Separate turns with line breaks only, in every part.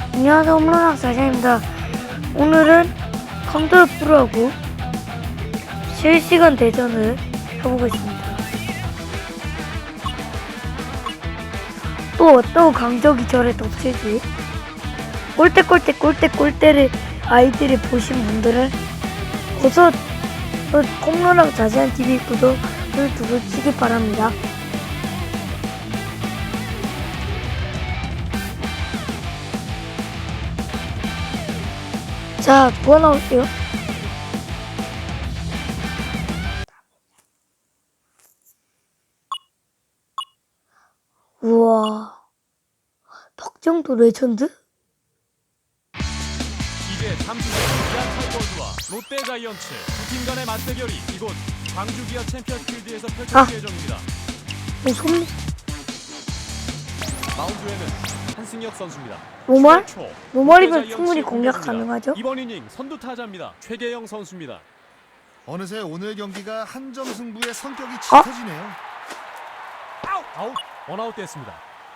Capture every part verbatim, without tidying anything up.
안녕하세요, 홈런왕 사장입니다. 오늘은 컴퓨터 프로하고 실시간 대전을 해보겠습니다. 또 어떤 강적이 저를 덮칠지 꼴대 꼴대 꼴대 꼴대를 아이들이 보신 분들은 어서 홈런왕 자세한 티비 구독을 누르시기 바랍니다. 자, 뭐가 나올게요? 우와, 박정도 레전드?
이제 잠시 후 기아 타이거즈와 롯데 자이언츠 두 팀 간의 맞대결이 이곳 광주 기아 챔피언스 필드에서 펼쳐질
아.
예정입니다.
오, 손,
마운드에는 한승혁 선수입니다.
노말?
초,
노말이면
롯데
충분히
자이언츠의
공략
공격입니다.
가능하죠?
이번 이닝 선두 타자입니다. 최계영 선수입니다.
어느새 오늘 경기가 한 점 승부의 성격이
어?
짙어지네요.
아웃! 아웃! 원아웃 됐습니다.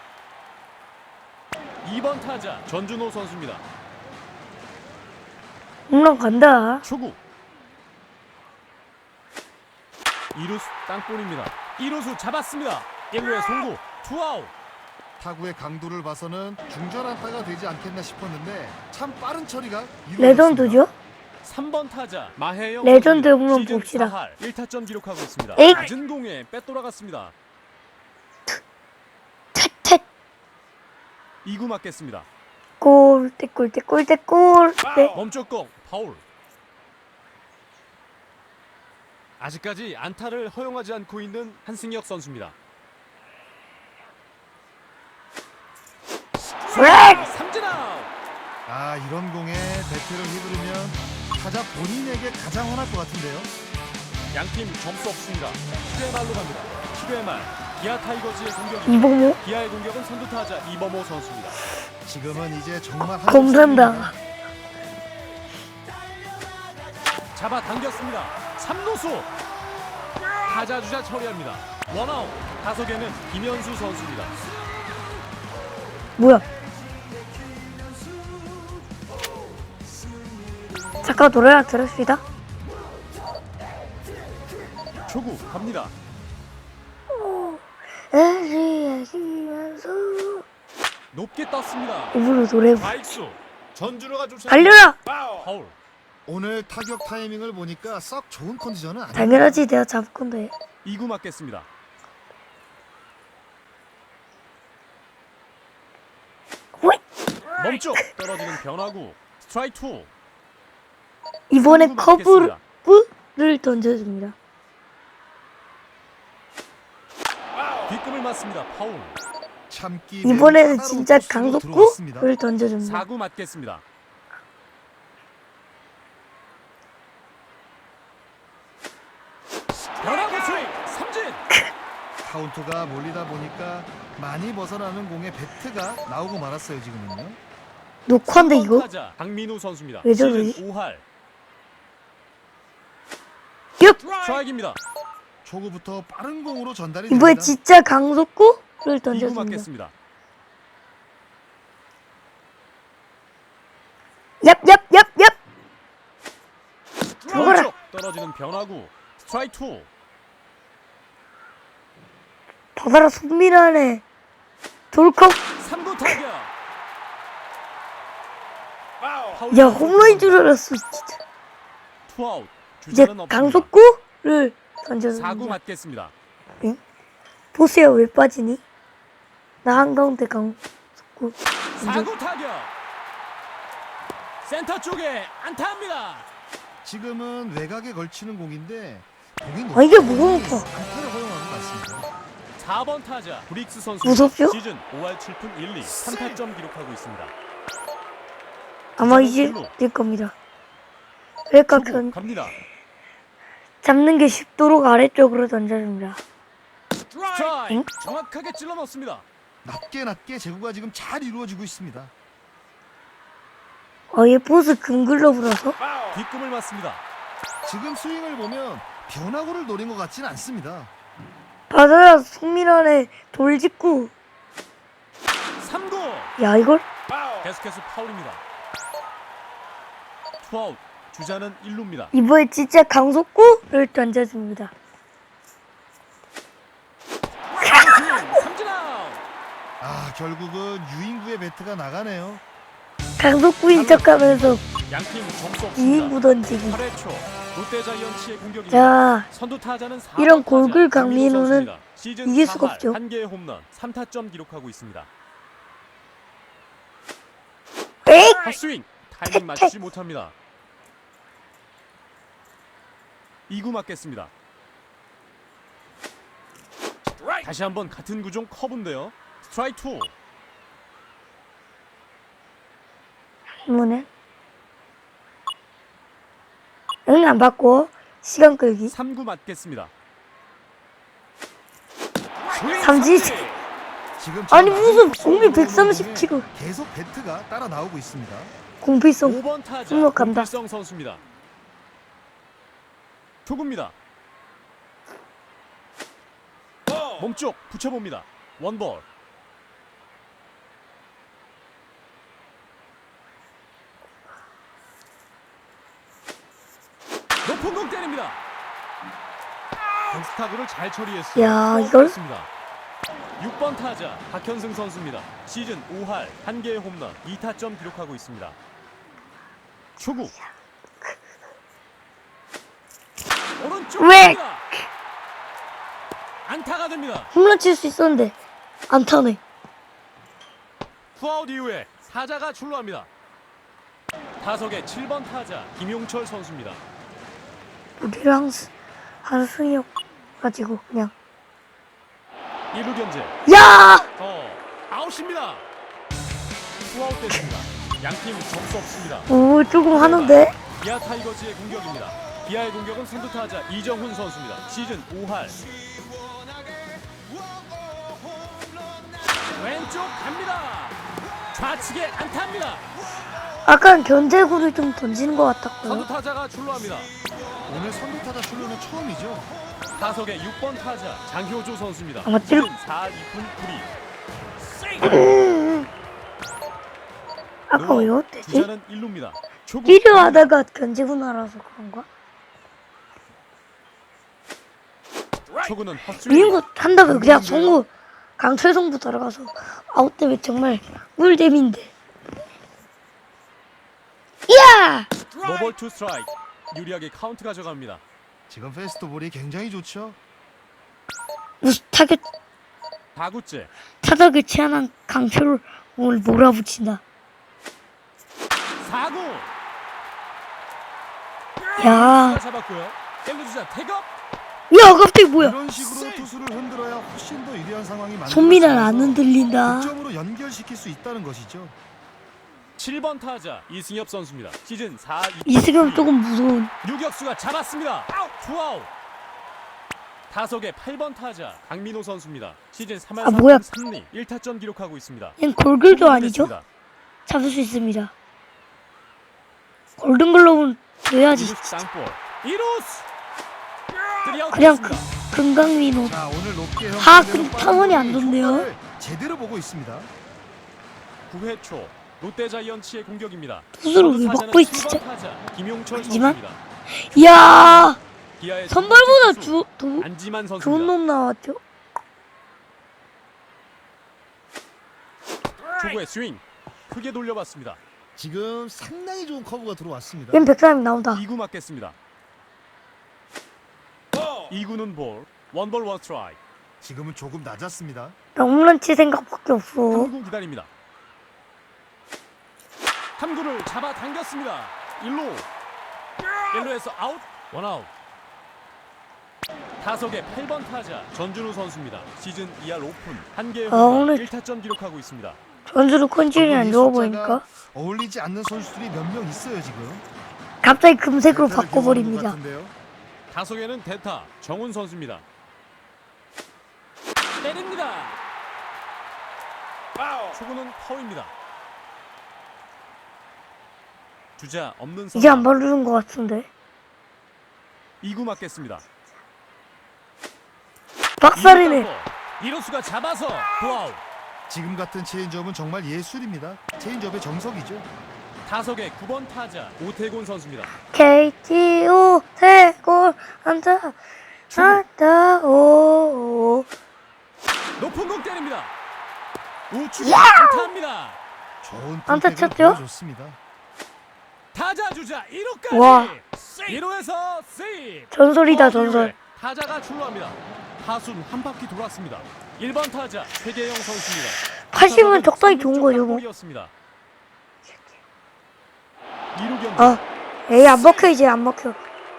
이 번 타자 전준호 선수입니다.
홈런 간다.
초구 이루수 땅볼입니다. 이루수 잡았습니다. 일 루에 송구 투아웃.
타구의 강도를 봐서는 중전 안타가 되지 않겠나 싶었는데 참 빠른 처리가 이루어졌습니다.
레전드죠?
삼 번 타자 마혜영
레전드
선수입니다.
홈런
시즌
봅시다.
사 할 일 타점 기록하고 있습니다.
에잇!
낮은 공에 빼돌아갔습니다.
텟텟.
이 구 맞겠습니다.
꼴대 꼴대 꼴대 꼴대.
멈췄 공 파울. 아직까지 안타를 허용하지 않고 있는 한승혁 선수입니다.
브렉!
삼진 아웃.
아, 이런 공에 배트를 휘두르면 타자 본인에게 가장 화날 것 같은데요.
양팀 점수 없습니다. 칠 회 말로 갑니다. 칠 회 말 기아 타이거즈의 공격입니다.
이봉모?
기아의 공격은 선두 타자 이범호 선수입니다.
지금은 이제 정말 한
검산다.
잡아 당겼습니다. 삼 루수 타자 주자 처리합니다. 원아웃. 타석에는 김현수 선수입니다.
뭐야? 잠깐 노래나 들읍시다.
초구 갑니다.
애쉬애쉬면서
높게 떴습니다.
입으로 노래
좌익수 전준호가 쫓아
달려라!
파울.
오늘 타격 타이밍을 보니까 썩 좋은 컨디션은 아니에요.
당연하지, 내가 잡을 건데.
이 구 맞겠습니다.
호잇!
멈춰 떨어지는 변화구 스트라이크 투.
이번에
삼 구 맞겠습니다.
커브를 던져줍니다.
뒷금을 맞습니다. 파울.
참기
이번에는
매우
진짜
까다로운 코스로 들어왔습니다.
강속구를 던져줍니다.
사 구 맞겠습니다. 변화구 스윙 삼진.
카운트가 몰리다 보니까 많이 벗어나는 공에 배트가 나오고 말았어요. 지금은요.
녹화인데 이거?
타자 강민우 선수입니다.
왜 저러지?
시즌 오 할
얍!
스트라이크입니다.
초구부터 빠른 공으로 전달이
이번에
됩니다.
진짜 강속구를
이 구
던져줍니다.
맞겠습니다.
얍! 얍! 얍! 얍! 죽어라!
왼쪽 떨어지는 변화구 스트라이크 투.
바다라 손밀하네. 돌컵.
삼 구 타격. 파울
야, 홈런인 줄 알았어, 진짜.
투아웃.
이제
주자는 없습니다.
강속구를
사 구
던져줍니다.
맞겠습니다.
응? 보세요, 왜 빠지니? 나 한가운데 강속구.
사 구 타격. 센터 쪽에 안타합니다.
지금은 외곽에 걸치는 공인데 공이
아, 이게
높다
뭐가
보니
높아?
안타를 허용하는 것 같습니다.
사 번 타자 브릭스 선수
무섭죠?
시즌 오 할 칠 푼 일 리 삼 타점 기록하고 있습니다.
아마 이제 될 겁니다. 그러니까
초구
그
갑니다.
잡는 게 쉽도록 아래쪽으로 던져줍니다.
스트라이크.
응?
정확하게 찔러 넣습니다.
낮게 낮게 제구가 지금 잘 이루어지고 있습니다.
어, 얘 포스 금글러브라서?
뒷금을 맞습니다.
지금 스윙을 보면 변화구를 노린 것 같지는 않습니다.
바다라 손밀하네. 돌직구.
삼 구.
야, 이걸?
계속해서 파울입니다. 투아웃. 주자는 일 루입니다.
이번에 진짜 강속구를 던져줍니다.
삼진 아웃.
아 결국은 유인구의 배트가 나가네요.
강속구인 척하면서
양팀 점수
이인구
없습니다.
던지기.
팔 회 초 롯데 자이언츠의 공격입니다.
자,
선두 타자는 사
이런
번 타자
골글
강민호
강민호는
선수입니다. 시즌
이길 수가
사 할
없죠.
한 개의 홈런, 삼 타점 기록하고 있습니다.
에이!
헛스윙 타이밍 맞추지 못합니다. 이 구 맞겠습니다. 다시 한번 같은 구종 커브인데요. 스트라이크 투.
뭐네? 응, 안 받고 시간 끌기.
삼 구 맞겠습니다.
삼진.
지금
아니,
저
무슨
낮은
공이
속도로
백삼십
공에
킬로미터.
계속 배트가 따라 나오고 있습니다.
공필성.
오 번 타자
행복합니다.
공필성 선수입니다. 초구입니다. 몸쪽 붙여봅니다. 원볼. 높은 공 때립니다. 벤스타그를 잘 처리했어요.
야, 이걸?
육 번 타자 박현승 선수입니다. 시즌 오 할 한 개의 홈런, 이 타점 기록하고 있습니다. 초구. 오른쪽.
왜?
안타가 됩니다.
홈런 칠 수 있었는데 안 타네.
투아웃 이후에 타자가 출루합니다. 타석의 칠 번 타자 김용철 선수입니다.
우리랑 스- 한승혁 가지고 그냥.
일 루 견제.
야!
어, 아웃입니다. 투아웃 됐습니다. 양팀 점수 없습니다.
오, 조금 하는데?
기아 타이거즈의 공격입니다. 기아의 공격은 선두 타자 이정훈 선수입니다. 시즌 오 할. 왼쪽 갑니다. 좌측에 안타입니다.
아까 견제구를 좀 던지는 것
선두
같았고요.
타자가 출루합니다.
오늘 선두 타자 출루는 처음이죠.
타석의 육 번 타자 장효조 선수입니다.
아마 찔-
시즌 사 할 이 푼 구 리.
아까 왜 어땠지?
주자는 일 루입니다. 초구.
필요하다가 견제구 날아서 그런가?
초구는 헛스윙.
미는 거 한다면 그냥 송구 강철 송구 들어가서 아웃 때문에 정말 꿀잼인데. 이야!
노볼 투 스트라이크. 유리하게 카운트 가져갑니다.
지금 페스트볼이 굉장히 좋죠.
무슨 타격
사 구째.
타격을 취한한 강철을 오늘 몰아붙인다.
사 구.
야,
잡았고요. 일 루 주자 태업.
야 갑자기 뭐야?
이런 식으로 투수를 흔들어야 훨씬 더 유리한 상황이
손민아 안
만들어지면서
흔들린다.
득점으로 연결시킬 수 있다는 것이죠.
칠 번 타자 이승엽 선수입니다. 시즌 사 할 이 푼
이승엽 조금 무서운.
유격수가 잡았습니다. 투아웃. 타석의 팔 번 타자 강민호 선수입니다. 시즌 삼 할
아, 뭐야.
삼 리 일 타점 기록하고 있습니다.
얜 골글도 아니죠?
됐습니다.
잡을 수 있습니다. 골든글러브는 줘야지.
이루스 땅볼. 이루스. 쓰리아웃
그냥
됐습니다.
그, 금강민호.
자 오늘 높게
하,
형성되는
근데 타원이 안
빠른
좋네요.
효과를 제대로 보고 있습니다.
구 회 초 롯데 자이언츠의 공격입니다.
투수를 왜
선두
막고
타자는
있지,
칠 번
진짜?
타자 김용철
하지만
선수입니다.
이야,
기아의
선발보다
첫 번째
주, 도,
투수 안지만
좋은
선수입니다.
놈 나왔죠?
초구의 스윙 크게 돌려봤습니다.
지금 상당히 좋은 커브가 들어왔습니다.
얜 백삼이 나온다.
이 구 맞겠습니다. 이 구는 볼. 원볼 원 스트라이크.
지금은 조금 낮았습니다.
나 홈런 칠 생각밖에 없어.
삼 구 기다립니다. 삼 구를 잡아 당겼습니다. 일 루. 일 루에서 아웃. 원아웃. 타석의 팔 번 타자 전준우 선수입니다. 시즌 이 할 오 푼 한 개의
아,
홈런
오늘-
일 타점 기록하고 있습니다.
전주로 컨디션이 안
이
좋아
숫자가
보이니까
어울리지 않는 선수들이 몇 명 있어요 지금.
갑자기 금색으로
대타를
바꿔버립니다.
기용하는 것 같은데요.
타석에는 대타 정훈 선수입니다. 때립니다. 초구는 파울입니다. 주자 없는
이제 안
상황.
바르는 것 같은데.
이 구 맞겠습니다.
박살이네.
이루수가 잡아서 도아웃.
지금 같은 체인지업은 정말 예술입니다. 체인지업의 정석이죠.
타석의 구 번 타자 오태곤 선수입니다.
케이티 오태곤 한다 한다 오.
높은 공 때립니다. 우측 안타입니다.
좋은
안타
선택을
쳤죠?
보여줬습니다.
타자 주자 일 루까지.
와.
일 루에서 세이브.
전설이다
어,
전설.
타자가 출루합니다. 타순 한 바퀴 돌았습니다. 일 번 타자 최계영 선수입니다.
팔십은 적당히 좋은 거죠 뭐.
이 루 경기.
아, 에이 안 먹혀 이제 안 먹혀.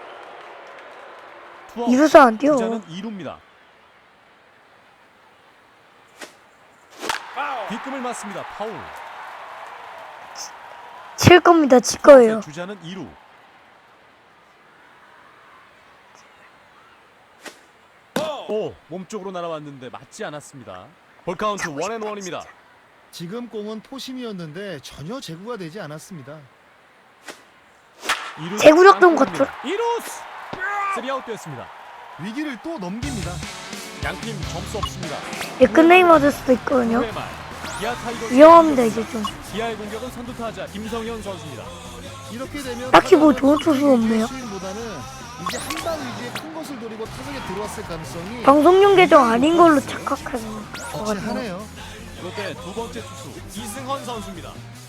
투아웃.
이루서 안 뛰어.
주자는 이 루입니다. 뒷금을 맞습니다. 파울.
칠 겁니다. 칠 거예요.
주자는 이 루. 오, 몸쪽으로 날아왔는데 맞지 않았습니다. 볼 카운트 원앤원입니다.
지금 공은 포심이었는데 전혀 제구가 되지 않았습니다.
제구력 좀 갖춰.
이 루 쓰리아웃 됐습니다.
위기를 또 넘깁니다.
양팀 점수 없습니다.
예, 끝내기 맞을 수도 있거든요.
구 회 말, 기아 타이거즈
위험합니다 이제 좀.
기아의 공격은 선두 타자 김성현 선수입니다.
이렇게 되면
딱히 뭐 좋은
타자는
투수 없네요.
스윙보다는 이제 한방 위기에 큰 것을 노리고 타석에 들어왔을 가능성이
방송용 계정 아닌 걸로 착각하는 것 같아요.
거치하네요.
롯데 두 번째 투수 이승헌 선수입니다.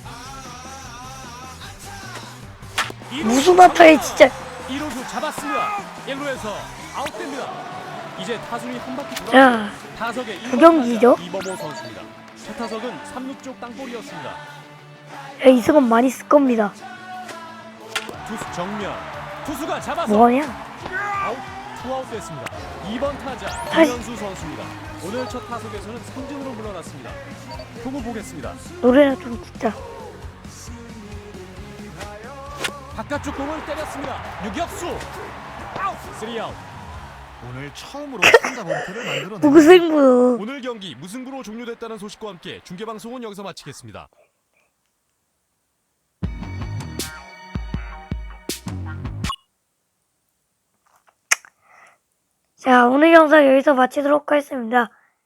무슨 마타에 진짜.
일 루수 잡았습니다. 일 루에서 아웃됩니다. 이제 타순이 한 바퀴 돌아
자,
타석의 일
두
번
경기죠?
타자 이범호 선수입니다. 첫 타석은 삼 루 쪽 땅볼이었습니다.
야, 이승은 많이 쓸 겁니다.
투수 정면 투수가 잡아서
뭐하냐?
아웃 투아웃 됐습니다. 이 번 타자
아이.
김현수 선수입니다. 오늘 첫 타석에서는 삼진으로 물러났습니다. 후보 보겠습니다.
노래나 좀 듣자.
바깥쪽 공을 때렸습니다. 유격수 아웃 쓰리아웃.
오늘 처음으로 삼자 범퇴를 만들어내요.
무승부.
오늘 경기 무승부로 종료됐다는 소식과 함께 중계방송은 여기서 마치겠습니다.
자, 오늘 영상 여기서 마치도록 하겠습니다.